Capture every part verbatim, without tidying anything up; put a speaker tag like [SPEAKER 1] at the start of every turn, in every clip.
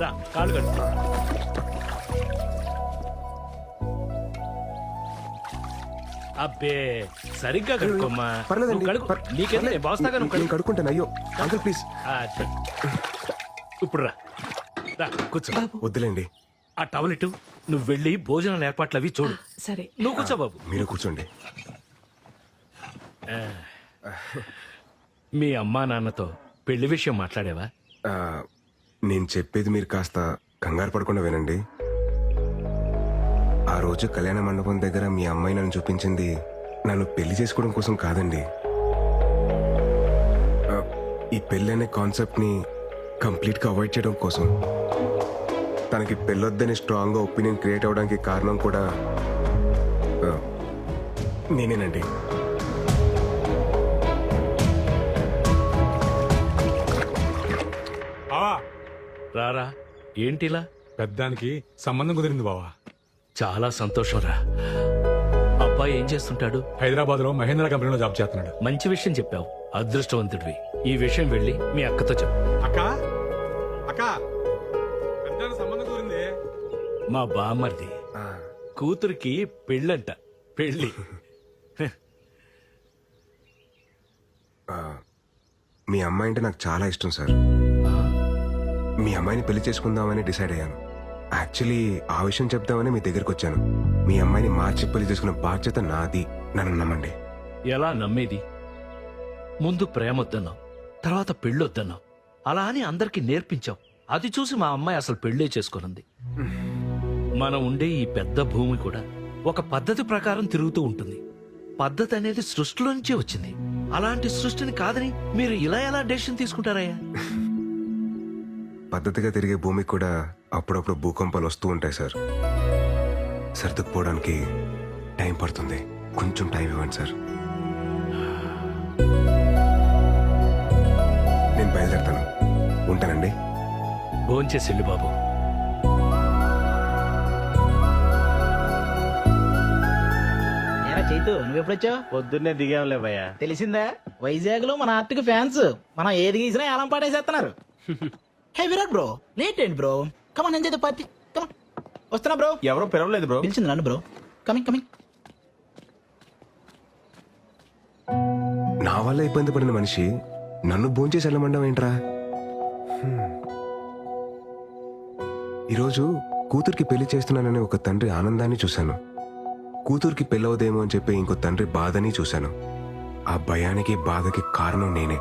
[SPEAKER 1] రా కాళ్ళు కట్టు. అబ్బే సరిగ్గా కడుక్కోమ్మా.
[SPEAKER 2] పర్లేదండి
[SPEAKER 1] నువ్వు కడుక్కో.
[SPEAKER 2] పర్-
[SPEAKER 1] నీకేదో
[SPEAKER 2] పర్లేదు.
[SPEAKER 1] నేను బాస్తాగా నువ్వు
[SPEAKER 2] నేను
[SPEAKER 1] కడుక్కో.
[SPEAKER 2] కడుక్కుంటాను. అయ్యో అంకుల్ ప్లీజ్.
[SPEAKER 1] ఆ, సరే. ఇప్పుడు రా రా కూర్చో.
[SPEAKER 2] వద్దులేండి,
[SPEAKER 1] ఆ టవల్ ఇటు. నువ్వు వెళ్ళి భోజనాల ఏర్పాట్లు అవి చూడు.
[SPEAKER 3] సరే
[SPEAKER 1] నువ్వు కూర్చో బాబు.
[SPEAKER 2] మీరు కూర్చోండి.
[SPEAKER 1] మీ అమ్మా నాన్నతో పెళ్లి విషయం మాట్లాడేవా?
[SPEAKER 2] ఆ, నేను చెప్పేది మీరు కాస్త కంగారు పడకుండా వినండి. ఆ రోజు కళ్యాణ మండపం దగ్గర మీ అమ్మాయి నన్ను చూపించింది నన్ను పెళ్లి చేసుకోవడం కోసం కాదండి. ఆ, ఈ పెళ్లి అనే కాన్సెప్ట్ని కంప్లీట్గా అవాయిడ్ చేయడం కోసం. తనకి పెళ్ళొద్దని స్ట్రాంగ్గా ఒపీనియన్ క్రియేట్ అవ్వడానికి కారణం కూడా ఆ, నేనేనండి.
[SPEAKER 4] బావా
[SPEAKER 1] రారా. ఏంటిలా?
[SPEAKER 4] పెద్దానికి సంబంధం కుదిరింది బావా.
[SPEAKER 1] చాలా సంతోషం రా. అబ్బాయి ఏం చేస్తుంటాడు?
[SPEAKER 4] హైదరాబాద్ లో మహేంద్ర కంపెనీలో జాబ్ చేస్తున్నాడు.
[SPEAKER 1] మంచి విషయం చెప్పావు. అదృష్టవంతుడివి. ఈ విషయం వెళ్ళి మీ అక్కతో చెప్పు.
[SPEAKER 4] అక్క అక్క పెద్దానికి సంబంధం కుదిరింది.
[SPEAKER 1] మా బామ్మర్ది
[SPEAKER 2] ఆ,
[SPEAKER 1] కూతురికి పెళ్ళంట. పెళ్ళి.
[SPEAKER 2] ఆ, మీ అమ్మాయి అంటే నాకు చాలా ఇష్టం సార్. మీ అమ్మాయిని పెళ్లి చేసుకుందామని డిసైడ్ అయ్యాను. యాక్చువల్లీ ఆ విషయం చెప్దామని మీ దగ్గరికి వచ్చాను. మీ అమ్మాయిని మార్చి పెళ్లి చేసుకున్న బాధ్యత నాది. నన్ను నమ్మండి.
[SPEAKER 1] ఎలా నమ్మేది? ముందు ప్రేమొద్దన్నావు, తర్వాత పెళ్ళొద్దన్నావు. అలా అని అందరికీ నేర్పించావు. అది చూసి మా అమ్మాయి అసలు పెళ్ళే చేసుకున్నది. మనం ఉండే ఈ పెద్ద భూమి కూడా ఒక పద్ధతి ప్రకారం తిరుగుతూ ఉంటుంది. పద్ధతి అనేది సృష్టిలో నుంచే వచ్చింది. అలాంటి సృష్టిని కాదని మీరు ఇలా ఎలా డెసిషన్ తీసుకుంటారయ్యా?
[SPEAKER 2] పద్ధతిగా తిరిగే భూమికి కూడా అప్పుడప్పుడు భూకంపాలు వస్తూ ఉంటాయి సార్. సర్దుకుపోవడానికి టైం పడుతుంది. కొంచెం టైం ఇవ్వండి సార్. నేను బయలుదేరుతాను. ఉంటానండి.
[SPEAKER 1] భోంచేసి వెళ్ళు బాబు.
[SPEAKER 5] ఏరా చైతు నువ్వెప్పుడొచ్చావు?
[SPEAKER 6] పొద్దున్నే దిగాంలే భయ్యా.
[SPEAKER 5] తెలిసిందా వైజాగ్ లో మన ఆర్టిక్ ఫ్యాన్స్ మనం ఏది గీసినా ఏలం పాటేసేస్తున్నారు. హే విరాట్ బ్రో, లేట్ ఏంటి bro? Come on enjoy the party. Come on వస్తున్నా బ్రో.
[SPEAKER 6] ఎవరో పిలవలేదు బ్రో.
[SPEAKER 5] పిలిచింది నన్ను బ్రో. Coming coming.
[SPEAKER 2] నా వల్ల ఇబ్బంది పడిన మనిషి నన్ను భోంచేసి వెళ్ళమండం ఏంట్రా? హ్మ్. ఈరోజు కూతురికి పెళ్లి చేస్తున్నానని ఒక తండ్రి ఆనందాన్ని చూశాను. కూతురికి పెళ్ళవదేమో అని చెప్పి ఇంకో తండ్రి బాధని చూశాను. ఆ భయానికి బాధకి కారణం నేనే.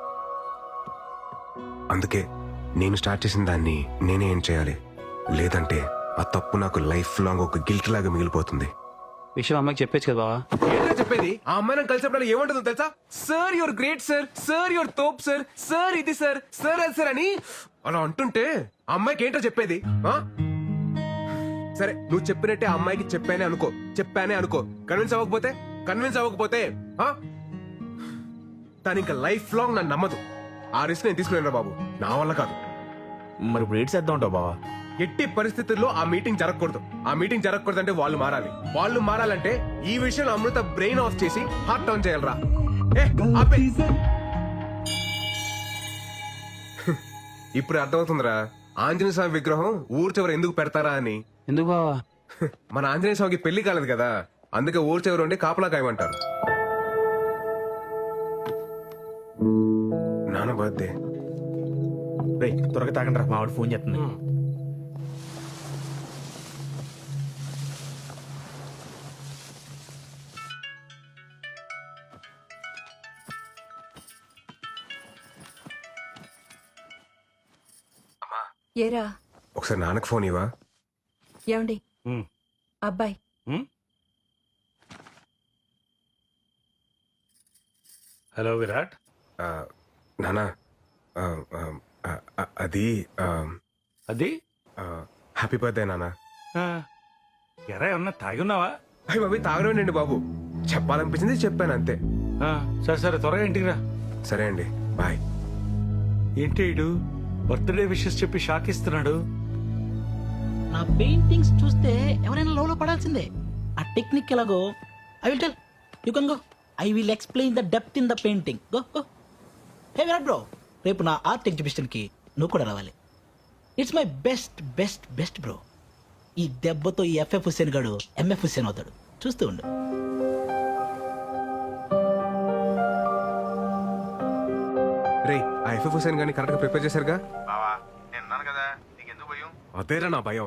[SPEAKER 2] అందుకే నేను స్టార్ట్ చేసిన దాన్ని నేనే ఏం చేయాలి. లేదంటే ఆ తప్పు నాకు లైఫ్ లాంగ్ ఒక గిల్ట్ లాగా మిగిలిపోతుంది.
[SPEAKER 6] విషయం అమ్మకి చెప్పేచ్చు కదా బావా.
[SPEAKER 2] ఏంటో చెప్పేది? ఆ అమ్మాయి నాకు కలిసినప్పుడు ఏమంటుందో తెలుసా? Sir your great sir, sir your తోప్ సార్, సార్ ఇది సార్, సార్ అది సార్ అని అలా అంటుంటే ఆ అమ్మాయికి ఏంటో చెప్పేది? ఆ? సరే నువ్వు చెప్పినట్టే ఆ అమ్మాయికి చెప్పానే అనుకో, చెప్పానే అనుకో. కన్విన్స్ అవ్వకపోతే కన్విన్స్ అవ్వకపోతే ఆ? తను ఇంకా లైఫ్ లాంగ్ నన్ను నమ్మదు. ఆ రిస్క్ నేను తీసుకున్నాను బాబు. నా వల్ల కాదు.
[SPEAKER 6] మరి ఇప్పుడు ఏడ్ చేద్దాం ఉంటావు బావా.
[SPEAKER 2] ఎట్టి పరిస్థితుల్లో ఆ మీటింగ్ జరగకూడదు. ఆ మీటింగ్ జరగకూడదు అంటే వాళ్ళు మారాలి. వాళ్ళు మారాలంటే ఈ విషయంలో అమృత బ్రెయిన్ ఆఫ్ చేసి హార్ట్ ఆన్ చేయాలరా. ఏ, ఆపే. ఇప్పుడు అర్థమవుతుందిరా ఆంజనేయ స్వామి విగ్రహం ఊరు చివర ఎందుకు పెడతారా అని.
[SPEAKER 6] ఎందుకు బావా?
[SPEAKER 2] మన ఆంజనేయ స్వామికి పెళ్లి కాలేదు కదా, అందుకే ఊరు చివర ఉండి కాపలా కాయమంటారు. నాన్న బర్త్డే.
[SPEAKER 6] రేయ్ త్వరగా తాగండి రా, మావాడు ఫోన్ చేస్తుంది.
[SPEAKER 3] ఏరా
[SPEAKER 2] ఒకసారి నాన్నకు ఫోన్ ఇవ్వా.
[SPEAKER 3] ఏమండి అబ్బాయి
[SPEAKER 1] హలో విరాట్.
[SPEAKER 2] ఆ, నానా ఆ, ఆ, ఆ, ఆ, అది ఆ,
[SPEAKER 1] అది
[SPEAKER 2] ఆ, హ్యాపీ బర్త్డే నానా.
[SPEAKER 1] ఎరా ఏమన్నా తాగి ఉన్నావా?
[SPEAKER 2] అయ్యి బాబు తాగడండి బాబు, చెప్పాలనిపించింది చెప్పాను అంతే.
[SPEAKER 1] సరే సరే త్వరగా ఇంటికి రా.
[SPEAKER 2] సరే అండి, బాయ్.
[SPEAKER 1] ఏంటి ఇడు బర్త్డే విషెస్ చెప్పి షాక్ ఇస్తున్నాడు?
[SPEAKER 5] నా పెయింటింగ్స్ చూస్తే ఎవరైనా లోలో పడాల్సిందే. ఆ టెక్నిక్ ఎలాగో I will tell you can go. I will explain the depth in the painting. Go go. Hey Virat bro, రేపు నా ఆర్ట్ ఎగ్జిబిషన్ కి నువ్వు కూడా రావాలి. It's my best best best bro. ఈ దెబ్బతో ఈ ఎఫ్ఎఫ్ హుస్సేన్ గాడు ఎంఎఫ్ హుస్సేన్ అవుతాడు. చూస్తూ ఉండు.
[SPEAKER 2] రే ఆ ఎఫ్ఎఫ్ హుసేన్ గాని కరెక్ట్ గా ప్రిపేర్ చేశారుగా?
[SPEAKER 6] బావా నేను ఉన్నాను కదా, నీకెందుకు భయం?
[SPEAKER 2] అదేరా నా భయం.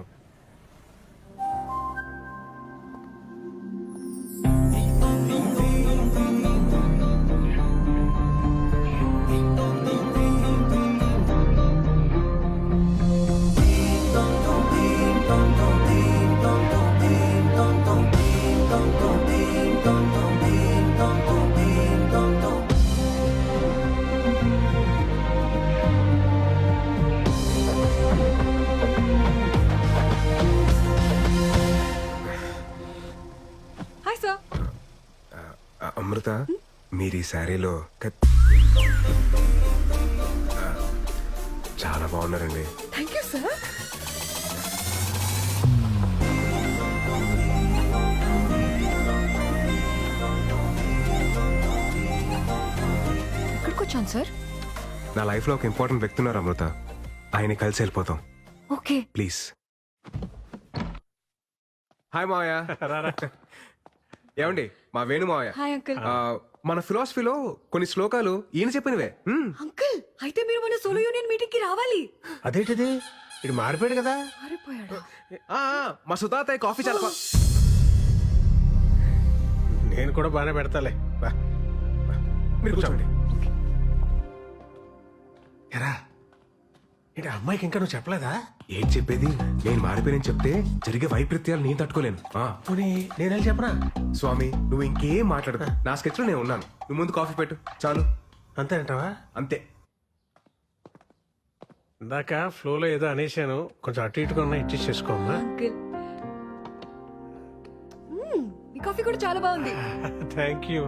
[SPEAKER 3] Hi sir.
[SPEAKER 2] ఆ, అమృత మీరు ఈ శారీలో కత్- ఆ, చాలా బాగున్నారండి.
[SPEAKER 3] Thank you sir. ఎక్కడికి వచ్చాను సార్?
[SPEAKER 2] నా లైఫ్ లో ఒక ఇంపార్టెంట్ వ్యక్తి ఉన్నారు అమృత. ఆయన కలిసి వెళ్ళిపోతాం
[SPEAKER 3] ఓకే.
[SPEAKER 2] ప్లీజ్. హాయ్ మావయ్య. ఏమండి మా వేణు మావయ్య.
[SPEAKER 3] Hi uncle.
[SPEAKER 2] ఆ, మన ఫిలాసఫీలో కొన్ని శ్లోకాలు ఈయన చెప్పినవే. మ్మ్.
[SPEAKER 3] అంకుల్ అయితే మీరు మన సోలో యూనియన్ మీటింగ్ కి రావాలి.
[SPEAKER 7] అదేంటిది ఇది మారిపోయాడు కదా.
[SPEAKER 3] మారిపోయాడు.
[SPEAKER 2] ఆ, ఆ, మా సుతాతయ్య కాఫీ చాలా బా-
[SPEAKER 7] నేను కూడా బాగానే పెడతాలే. బా.
[SPEAKER 2] మీరు కూర్చోండి.
[SPEAKER 7] ఎరా ఏంటి ఆ అమ్మాయికి ఇంకా నువ్వు చెప్పలేదా?
[SPEAKER 2] ఏం చెప్పేది? నేను మారిపోయానని చెప్తే జరిగే వైపరీత్యాలు నేను తట్టుకోలేను. ఆ,
[SPEAKER 7] పోనీ నేను వెళ్ళి చెప్పనా?
[SPEAKER 2] స్వామి నువ్వు ఇంకేం మాట్లాడదు. నా స్కెచ్ లో నేను ఉన్నాను. నువ్వు ముందు కాఫీ పెట్టు చాలు.
[SPEAKER 7] అంతే అంటావా?
[SPEAKER 2] అంతే.
[SPEAKER 7] ఇందాక ఫ్లోలో ఏదో అనేసాను, కొంచెం అటు ఇటుగా ఉన్నా ఇచ్చేసి చేసుకోమ్మా.
[SPEAKER 3] అంకుల్ మ్మ్, మీ కాఫీ కూడా చాలా బాగుంది.
[SPEAKER 7] Thank you.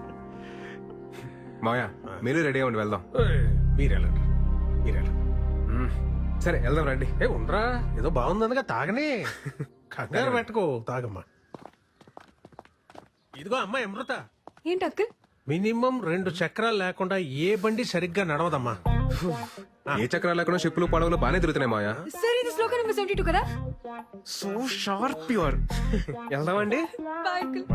[SPEAKER 2] మాయా మీరు రెడీ అవ్వండి వెళ్దాం.
[SPEAKER 7] మీరు వెళ్ళండి మీరు వెళ్ళండి.
[SPEAKER 2] మ్మ్. సరే వెళ్దాం రండి.
[SPEAKER 7] ఏ ఉండరా, ఏదో బాగుందనగా తాగనే. కంగారు పెట్టుకో, తాగమ్మా. ఇదిగో అమ్మాయి అమృత,
[SPEAKER 3] ఏంటి అంకుల్?
[SPEAKER 7] మినిమం రెండు చక్రాలు లేకుండా ఏ బండి సరిగ్గా నడవదమ్మా.
[SPEAKER 2] ఏ చక్రాలు లేకుండా షిప్పులు పడవలు బాగానే తిరుగుతున్నాయి మాయా.
[SPEAKER 3] సార్ ఇది శ్లోక నెంబర్ సెవెంటీ టూ కదా?
[SPEAKER 2] So sharp your. వెళ్దామండి.
[SPEAKER 3] Bye uncle.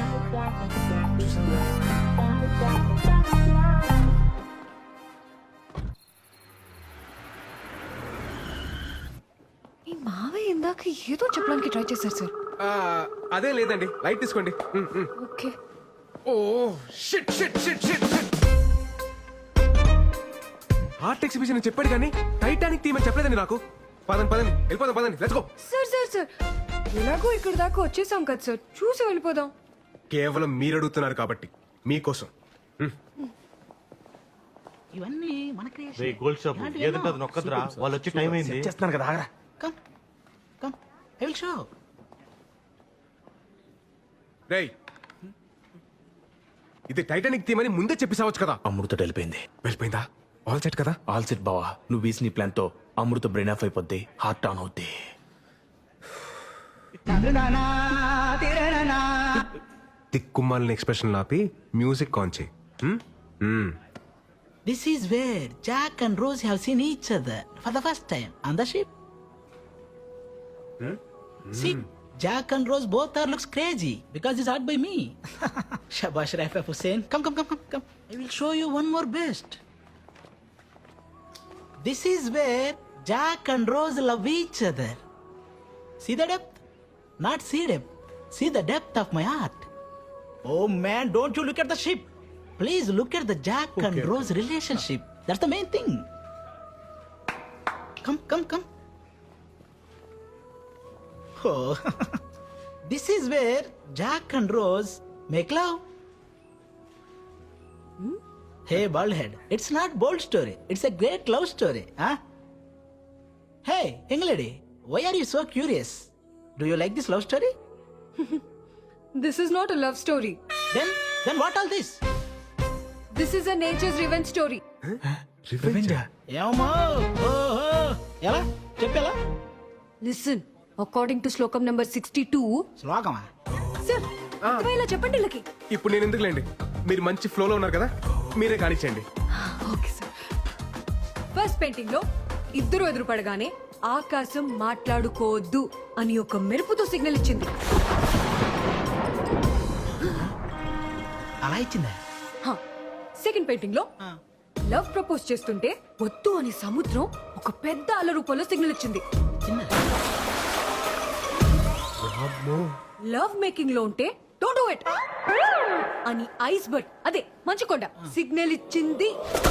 [SPEAKER 3] మీ మావయ్య ఇందాక ఏదో చెప్పడానికి ట్రై చేశారు సార్.
[SPEAKER 2] ఆ, అదే లేదండి లైట్ తీసుకోండి. మ్మ్, మ్మ్.
[SPEAKER 3] Okay.
[SPEAKER 2] Oh shit shit shit shit shit. Art exhibition అని చెప్పాడు కానీ టైటానిక్ థీమ్ అని చెప్పలేదండి నాకు. పదండి పదండి వెళ్ళిపోదాం పదండి. Let's go.
[SPEAKER 3] Sir sir sir ఎలాగో ఇక్కడ దాకా వచ్చేసాం కదా సార్, చూసి వెళ్ళిపోదాం.
[SPEAKER 2] కేవలం మీరు అడుగుతున్నారు కాబట్టి మీకోసం.
[SPEAKER 5] ఇవన్నీ మన
[SPEAKER 8] రే గోల్డ్ షాప్ ఏదంటే అది నొక్కదురా, వాళ్ళు వచ్చి టైం అయింది.
[SPEAKER 6] చేస్తున్నాను కదా, ఆగరా.
[SPEAKER 5] Come come I will show.
[SPEAKER 2] రేయ్ ఇది టైటానిక్ థీమ్ అని ముందే చెప్పేసావచ్చు కదా.
[SPEAKER 6] అమృత వెళ్ళిపోయింది.
[SPEAKER 2] వెళ్ళిపోయిందా? ఆల్ సెట్ కదా?
[SPEAKER 6] ఆల్ సెట్ బావా. నువ్వు వేసిన ప్లాన్ తో అమృత బ్రెయిన్ ఆఫ్ అయిపోద్ది, హార్ట్ ఆన్ అవుద్ది.
[SPEAKER 2] తిక్కుమాలిన ఎక్స్ప్రెషన్ ఆపి మ్యూజిక్ ఆన్ చేయి. హ్మ్? హ్మ్.
[SPEAKER 5] This is where Jack and Rose have seen each other for the first time on the ship. See, Jack and Rose both are looks crazy because it's art by me. Shabash Raif Hussain. Come, come, come, come, come. I will show you one more best. This is where Jack and Rose love each other. See the depth? Not see depth. See the depth of my art. Oh man, don't you look at the ship. Please look at the Jack and Rose relationship. That's the main thing. Come, come, come. Oh, this is where Jack and Rose make love. Hmm? Hey, baldhead, it's not bold story. It's a great love story, huh? Hey, young lady, why are you so curious? Do you like this love story?
[SPEAKER 3] This is not a love story.
[SPEAKER 5] Then, then what all this?
[SPEAKER 3] This is a nature's revenge story.
[SPEAKER 5] ఏమో ఓహో ఎలా చెప్పేలా
[SPEAKER 3] Listen, according to శ్లోకం number sixty two.
[SPEAKER 5] శ్లోకమా?
[SPEAKER 3] Sir అర్థమయ్యేలా చెప్పండి వీళ్ళకి.
[SPEAKER 2] ఇప్పుడు నేను ఎందుకులేండి, మీరు మంచి ఫ్లోలో ఉన్నారు కదా, మీరే కానిచ్చేయండి.
[SPEAKER 3] Okay sir. ఫస్ట్ పెయింటింగ్ లో ఇద్దరు ఎదురు పడగానే ఆకాశం మాట్లాడుకోవద్దు అని ఒక మెరుపుతో సిగ్నల్ ఇచ్చింది.
[SPEAKER 5] అలా ఇచ్చిందా?
[SPEAKER 3] సెకండ్ పెయింటింగ్ లో
[SPEAKER 5] ఆ.
[SPEAKER 3] లవ్ ప్రపోజ్ చేస్తుంటే వద్దు అని సముద్రం ఒక పెద్ద అల రూపంలో సిగ్నల్ ఇచ్చింది.
[SPEAKER 5] ఇచ్చిందా?
[SPEAKER 3] లవ్ మేకింగ్ లో ఉంటే డోంట్ డూ ఇట్ అని ఐస్ బర్డ్ అదే మంచుకొండ సిగ్నల్ ఇచ్చింది.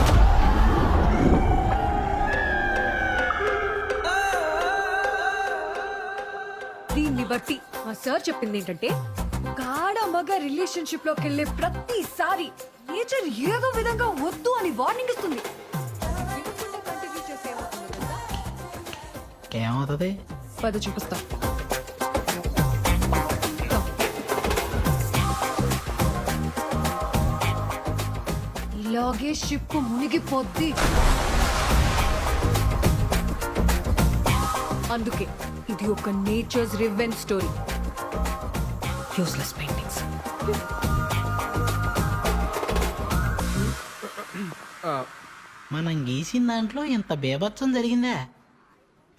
[SPEAKER 3] దీన్ని బట్టి మా సార్ చెప్పింది ఏంటంటే గాఢ మగ రిలేషన్షిప్ లోకి వెళ్ళే ప్రతిసారి నేచర్ ఏదో విధంగా వద్దు అని వార్నింగ్ ఇస్తుంది. వినకుండా continue చేస్తే ఏమవుతుందో తెలుసా?
[SPEAKER 5] ఏమవుతుంది?
[SPEAKER 3] పద చూపిస్తా. ఇలాగే షిప్ మునిగిపోద్ది. అందుకే ఇది ఒక nature's revenge story. Useless paintings.
[SPEAKER 5] మనం గీసిన దాంట్లో ఇంత బేభత్సం జరిగిందా?